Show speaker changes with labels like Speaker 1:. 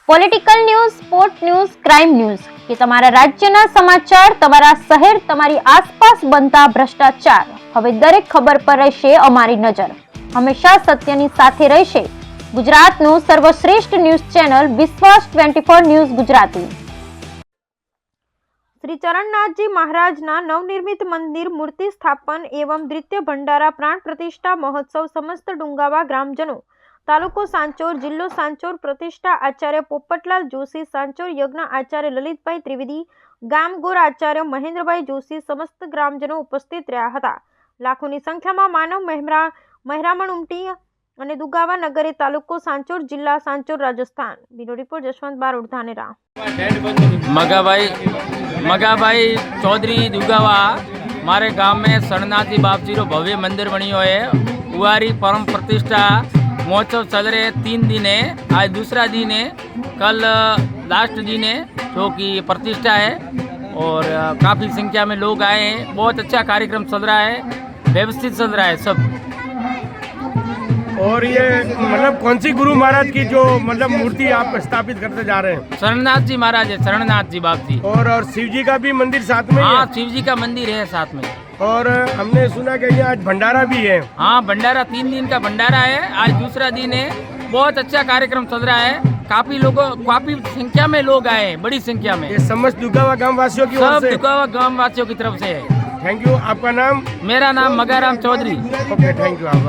Speaker 1: Political news, sport news, crime news કે તમારા રાજ્યના સમાચાર, તમારા શહેર, તમારી આસપાસ બનતા ભ્રષ્ટાચાર, હવે દરેક ખબર પર રહેશે અમારી નજર. હંમેશા સત્યની સાથે રહેશે ગુજરાતનું સર્વશ્રેષ્ઠ ન્યૂઝ ચેનલ વિશ્વાસ 24 ન્યૂઝ ગુજરાતી. શ્રી ચરણનાથજી મહારાજના નવનિર્મિત મંદિર મૂર્તિ સ્થાપન એવં દ્વિતીય ભંડારા પ્રાણ પ્રતિષ્ઠા મહોત્સવ સમસ્ત ડુંગાવા ગ્રામજનો, તાલુકો સાંચોર, જિલ્લો સાંચોર, પ્રતિષ્ઠા આચાર્ય પોપટલાલ જોશી, સાંચોર યજ્ઞ આચાર્ય લલિતભાઈ ત્રિવેદી, ગામ ગોર આચાર્ય મહેન્દ્રભાઈ જોશી, સમસ્ત ગ્રામજનો ઉપસ્થિત રહ્યા હતા. લાખોની સંખ્યામાં માનવ મહેરામણ ઉમટી અને દુગાવા નગરે, તાલુકો સાંચોર, જિલ્લા સાંચોર, રાજસ્થાન. Bureau report Jashwant Barot, Dhanera.
Speaker 2: मगाभाई चौधरी दुगावा हमारे गांव में शरणनाथजी बापजी रो भव्य मंदिर बनियो है. कुआरी परम प्रतिष्ठा महोत्सव चल रहे 3 दिन है. आज दूसरा दिन है, कल लास्ट दिन है जो कि प्रतिष्ठा है और काफ़ी संख्या में लोग आए हैं. बहुत अच्छा कार्यक्रम चल रहा है, व्यवस्थित चल रहा है सब.
Speaker 3: और ये मतलब कौन सी गुरु महाराज की जो मतलब मूर्ति आप स्थापित करते जा रहे हैं?
Speaker 2: शरणनाथ जी महाराज है, शरणनाथ जी बाप जी.
Speaker 3: और शिव जी का भी मंदिर साथ में ही
Speaker 2: हाँ,
Speaker 3: है?
Speaker 2: शिव जी का मंदिर है साथ में.
Speaker 3: और हमने सुना कि यहाँ आज भंडारा भी है.
Speaker 2: हाँ, भंडारा 3 दिन का भंडारा है. आज दूसरा दिन है. बहुत अच्छा कार्यक्रम चल रहा है. काफी संख्या में लोग आए हैं, बड़ी संख्या में.
Speaker 3: ये समस्त दुगावा गांव वासियों की ओर
Speaker 2: सब
Speaker 3: से?
Speaker 2: दुगावा गांव वासियों की तरफ से है.
Speaker 3: Thank you. आपका नाम?
Speaker 2: मेरा नाम Magaram Chaudhary.
Speaker 3: Okay, thank you.